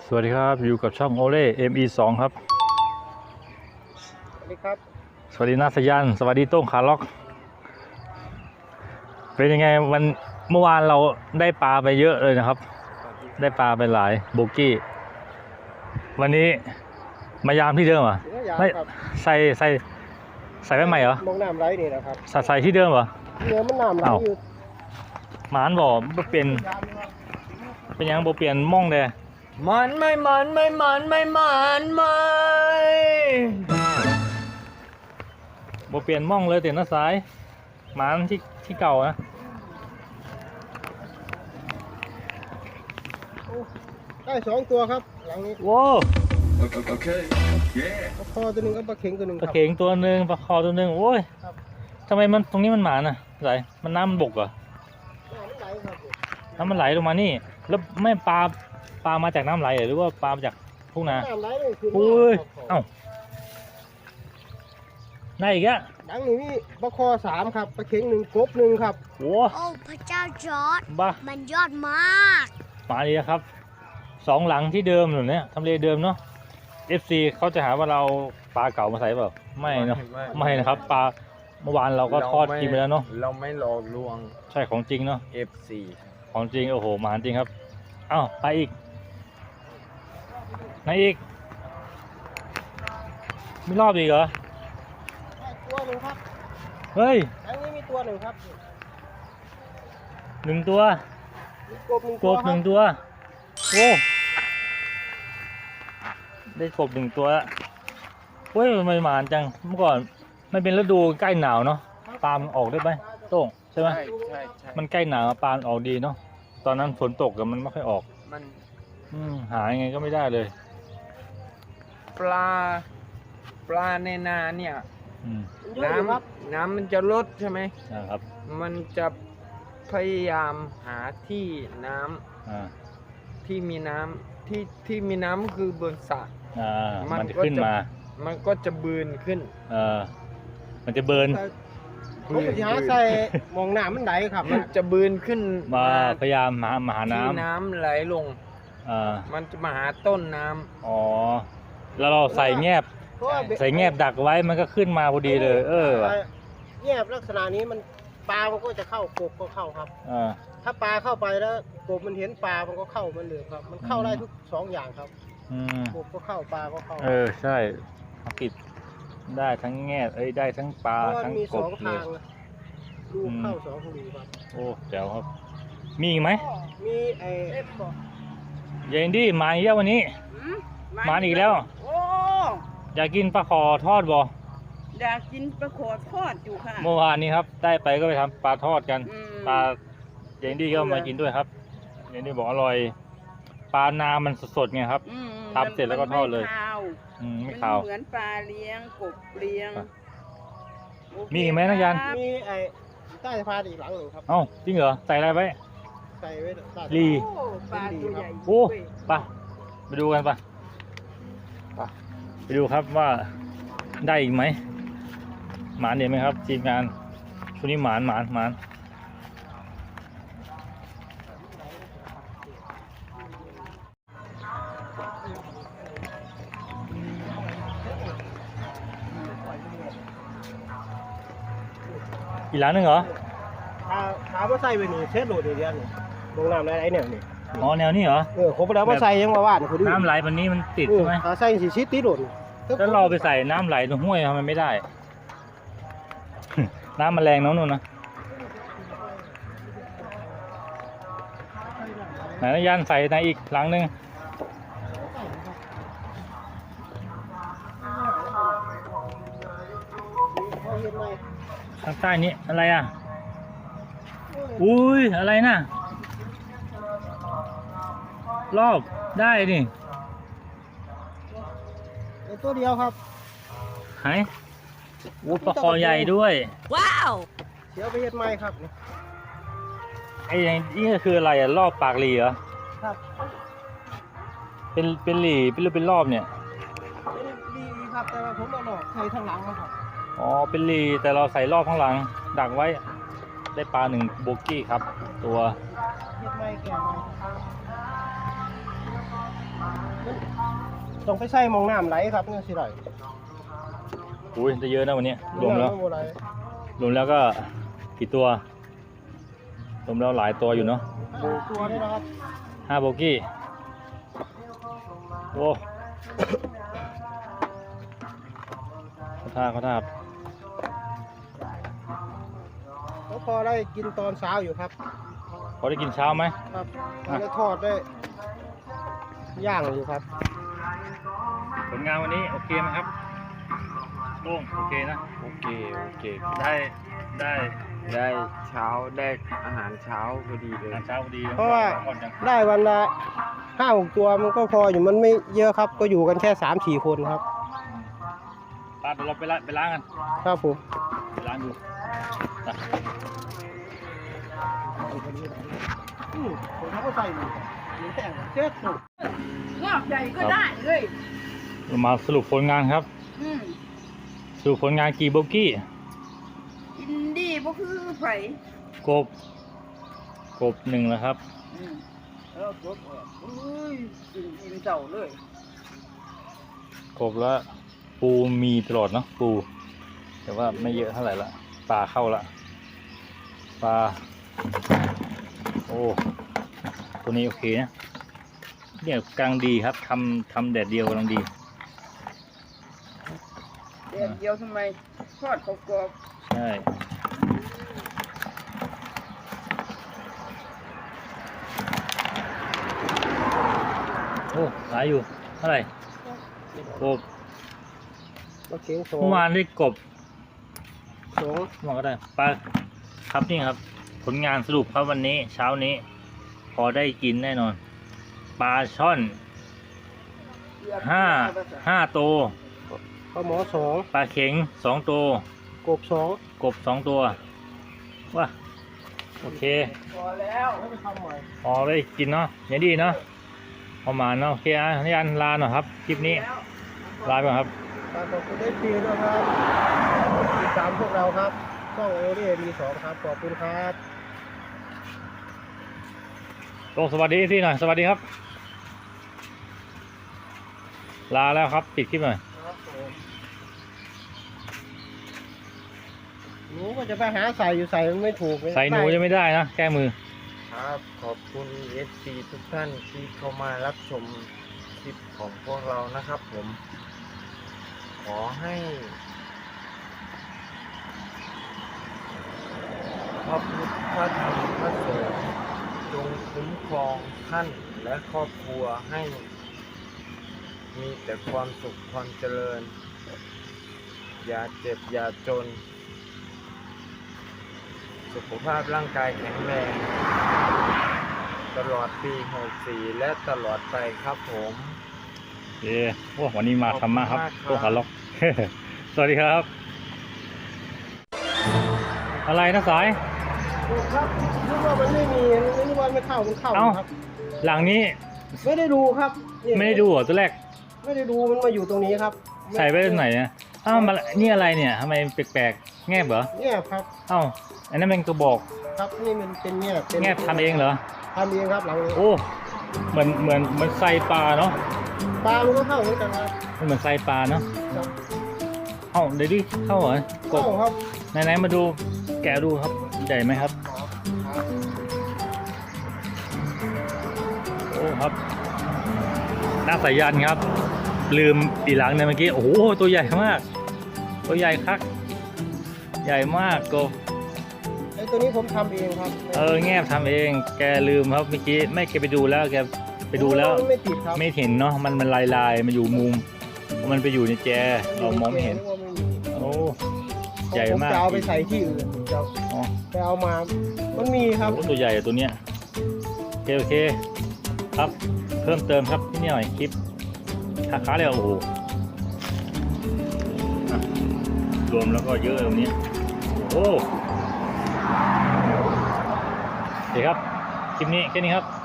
สวัสดีครับอยู่กับช่องโอเล่ ME2 ครับสวัสดีครับสวัสดีนาสยันสวัสดีโต้งขาล็อกเป็นยังไงเมื่อวานเราได้ปลาไปเยอะเลยนะครับได้ปลาไปหลายโบกี้วันนี้มายามที่เดิมเหรอไม่ใส่ไว้ใหม่เหรอมองน้ำไหลนี่นะครับใส่ที่เดิมเหรอเนื้อมันน้ำไหลอยู่หมานบ่เป็นยังบ่เปลี่ยนม่องเลยมันไม่บ่เปลี่ยนม่องเลยแต่หน้าซ้ายหมานที่เก่านะได้2 ตัวครับหลังนี้โว้โอเคปลาคอตัวหนึ่งกับปลาเข็งตัวหนึ่งปลาเข็งตัวหนึ่งปลาคอตัวหนึ่งโอ้ยทำไมมันตรงนี้มันหมาน่ะไหลมันน้ำมันบกเหรอน้ำมันไหลลงมานี่แล้วไม่ปลามาจากน้ำไหลหรือว่าปลามาจากทุ่งนาน้ำไหลเลยคืออุ้ยเอ้าได้อีกอะหลังนี้มีปลาคอ3ครับปลาเข็ง1กบ1ครับโอ้พระเจ้าจอร์จบ้ามันยอดมากมาดีครับ2 หลังที่เดิมหรือเนี่ยทำเลเดิมเนาะ FC เขาจะหาว่าเราปลาเก่ามาใส่เปล่าไม่เนาะไม่นะครับปลาเมื่อวานเราก็ทอดกินไปแล้วเนาะเราไม่หลอกลวงใช่ของจริงเนาะ FC ของจริงโอ้โหมาจริงครับอ้าวไปอีกไหนอีกมีรอบอีกเหรอตัวหนึ่งครับเฮ้ยหลังนี้มีตัวหนึ่งครับ 1 ตัวกบ1 กบ1 ตัวโอ้ได้กบ1 ตัวเฮ้ยมันไม่หมานจังเมื่อก่อนมันเป็นฤดูใกล้หนาวเนาะปลามันออกได้ไหมโต้งใช่ไหมใช่มันใกล้หนาวปลาออกดีเนาะตอนนั้นฝนตกกับมันไม่ค่อยออกมันหายังไงก็ไม่ได้เลยปลาในนาเนี่ยน้ำมันจะลดใช่ไหมครับมันจะพยายามหาที่น้ำที่มีน้ำที่มีน้ำคือบนสระมันจะขึ้นมามันก็จะเบิร์นขึ้นมันจะเบิร์นผมจะหาใส่มองน้ำมันไหลครับมันจะเบิร์นขึ้นมาพยายามหาน้ำที่น้ำไหลลงมันจะมาหาต้นน้ำอ๋อแล้วเราใส่แงบดักไว้มันก็ขึ้นมาพอดีเลยแงบลักษณะนี้มันปลามันก็จะเข้ากบก็เข้าครับถ้าปลาเข้าไปแล้วกบมันเห็นปลามันก็เข้ามันเลยครับมันเข้าได้ทุก2 อย่างครับกบก็เข้าปลาก็เข้าใช่ติดได้ทั้งแงบได้ทั้งปลาทั้งกบเลยลูกเข้า2 รูครับโอ้แจ๋วครับมีอีกไหมมียายอินดี้มาอีกแล้ววันนี้มาอีกแล้วอยากกินปลาขอทอดบ่อยากกินปลาขอทอดอยู่ค่ะเมื่อวานนี้ครับได้ไปก็ไปทำปลาทอดกันปลายายอินดี้ก็มากินด้วยครับยายอินดี้บอกอร่อยปลานามันสดๆไงครับทำเสร็จแล้วก็ทอดเลยไม่ขาวเหมือนปลาเลี้ยงกบเลี้ยงมีอีกไหมนักยันมีใต้สะพานอีกหลังหนึ่งครับเอ้าจริงเหรอใส่อะไรไว้ใส่ไว้ลีปลาตัวใหญ่โอ้ไปดูกันไปดูครับว่าได้อีกไหมหมานเห็นไหมครับทีมงานช่วงนี้หมานอีกหลังนึงเหรอขาว่าใส่ไปนี่เช็ดโหลดเดียวนี่ลงน้ำไหลเนี่ยนี่อ๋อแนวนี้เหรอครบแล้วว่าใส่ยังว่าน้ำไหลวันนี้มันติดใช่ไหมใส่สีชิดติดโหลดแล้วเราไปใส่น้ำไหลตรงห้วยทำไมไม่ได้ น้ำมันแรงน้องนุ่นนะไหนนะยันใส่ในอีกหลังนึงทางใต้นี้อะไรอ่ะอุ้ยอะไรน่ะรอบได้นี่ตัวเดียวครับหายปลาคอใหญ่ด้วยว้าวเดี๋ยวไปเฮ็ดไม้ครับไอ้นี่ก็คืออะไรอ่ะรอบปากหลีเหรอครับเป็นหลีเป็นรอบเนี่ยเป็นหลีครับแต่ว่าผมเอาหลอกใส่ทางหลังนะครับอ๋อเป็นหลีแต่เราใส่รอบข้างหลังดักไว้ได้ปลา1 โบกี้ครับตัวเฮ็ดไม้แก่ไม้ต้องไปใส่มองน้ำไหลครับนี่สิไหลอุ้ยจะเยอะนะวันนี้รวมแล้วน้ำบ่ไหลรวมแล้วก็กี่ตัวรวมแล้วหลายตัวอยู่เนาะดูตัวนี่นะครับ 5 โบกี้โอ้เขาท่าครับแล้วพอได้กินตอนเช้าอยู่ครับพอได้กินเช้าไหมครับได้ทอดได้ย่างอยู่ครับผลงานวันนี้โอเคไหมครับโล่งโอเคนะโอเคได้ได้เช้าได้อาหารเช้าพอดีเลยอาหารเช้าพอดีเพราะว่าก่อนจังได้วันละ5-6 ตัวมันก็พออยู่มันไม่เยอะครับ ก็อยู่กันแค่3-4 คนครับปาเดี๋ยวเราไปล้างกันครับผมไปล้างดูนะผมเขาก็ใส่อยู่แต่งเจ๊กสุดงอกใหญ่ก็ได้เลยเรามาสรุปผลงานครับอืมสรุปผลงานกี่โบกี้อินดี้บ่คือไผกบ1แล้วครับอืมแล้วจบอุ้ยกินเจ้าเลยกบแล้วปูมีตลอดเนาะปูแต่ว่าไม่เยอะเท่าไหร่ละปลาเข้าละปลาโอ้ตัวนี้โอเคนะเนี่ยกำลังดีครับทำแดดเดียวกำลังดีเดือนเดียวทำไมทอดกรอบใช่โอ้หลายอยู่เท่าไหร่กบมาเคียงโซ่เมื่อวานได้กบสองมองก็ได้ปลาครับนี่ครับ ผลงานสรุปครับวันนี้เช้านี้ พอได้กินแน่นอน ปลาช่อนๆ 5 ตัวปลาหมอสองปลาเข็ง2 ตัวกบสองกบ2 ตัวว้าโอเคพอแล้วไม่ไปทำใหม่พอได้กินเนาะอย่างดีเนาะประมาณเนาะโอเคอ่ะนี่อันลาหน่อยครับคลิปนี้ลาไปก่อนครับขอบคุณได้ฟรีด้วยครับติดตามพวกเราครับช่องเอเรียมี2ครับขอบคุณครับลงสวัสดีที่หน่อยสวัสดีครับ ลาแล้วครับปิดคลิปหน่อยหนูก็จะไปหาใส่อยู่ใส่มันไม่ถูกใส่หนูยังไม่ได้นะแก้มือครับขอบคุณ FC ทุกท่านที่เข้ามารับชมคลิปของพวกเรานะครับผม ขอให้พระพุทธพระธรรมพระสงฆ์จงคุ้มครองท่านและครอบครัวให้มีแต่ความสุขความเจริญ อย่าเจ็บอย่าจน สุขภาพร่างกายแข็งแรง ตลอดปี64และตลอดไปครับผมโอเคโอ้วันนี้มาธรรมะครับขอบคุณมากครับโอ้ขาล็อก สวัสดีครับ อะไรนะสายครับนึกว่ามันไม่มีนึกว่าไม่เข้ามันเข้าเอ้าครับหลังนี้ไม่ได้ดูครับนี่ไม่ได้ดูเหรอตัวแรกไม่ได้ดูมันมาอยู่ตรงนี้ครับใส่ไว้ตรงไหนเนี่ยอ้าวมานี่อะไรเนี่ยทำไมแปลกๆแงบเหรอเนี่ยครับเอ้าอันนั้นเป็นกระบอกครับนี่มันเป็นเนี่ยเป็นแงบทำเองเหรอทำเองครับหลังนี้โอ้เหมือนไส้ปลาเนาะปลามันก็เข้าเหมือนกันครับมันเหมือนไส้ปลาเนาะเอ้าเดี๋ยวดิเข้าเหรอกเข้าบครับไหนๆมาดูแกะดูครับใหญ่ไหมครับโอ้ครับหน้าสายันครับ ลืมปีหลังเนี่ยเมื่อกี้โอ้โหตัวใหญ่มาก ตัวใหญ่คักใหญ่มากกบไอ้ตัวนี้ผมทำเองครับแงบทำเองแกลืมครับเมื่อกี้แม่แกไปดูแล้วแกไปดูแล้วมันไม่ติดครับไม่เห็นเนาะมันลายมันอยู่มุมมันไปอยู่ในแจเรามองไม่เห็น โอ้ใหญ่มากผมจะเอาไปใส่ที่อื่นจะอ๋อไปเอามา มันมีครับโอ้ตัวใหญ่อะตัวเนี้ยโอเคครับเพิ่มเติมครับที่นี่หน่อยคลิปค้าเลยโอ้โหอ่ะรวมแล้วก็เยอะตรงนี้โอ้โอเคครับคลิปนี้แค่นี้ครับ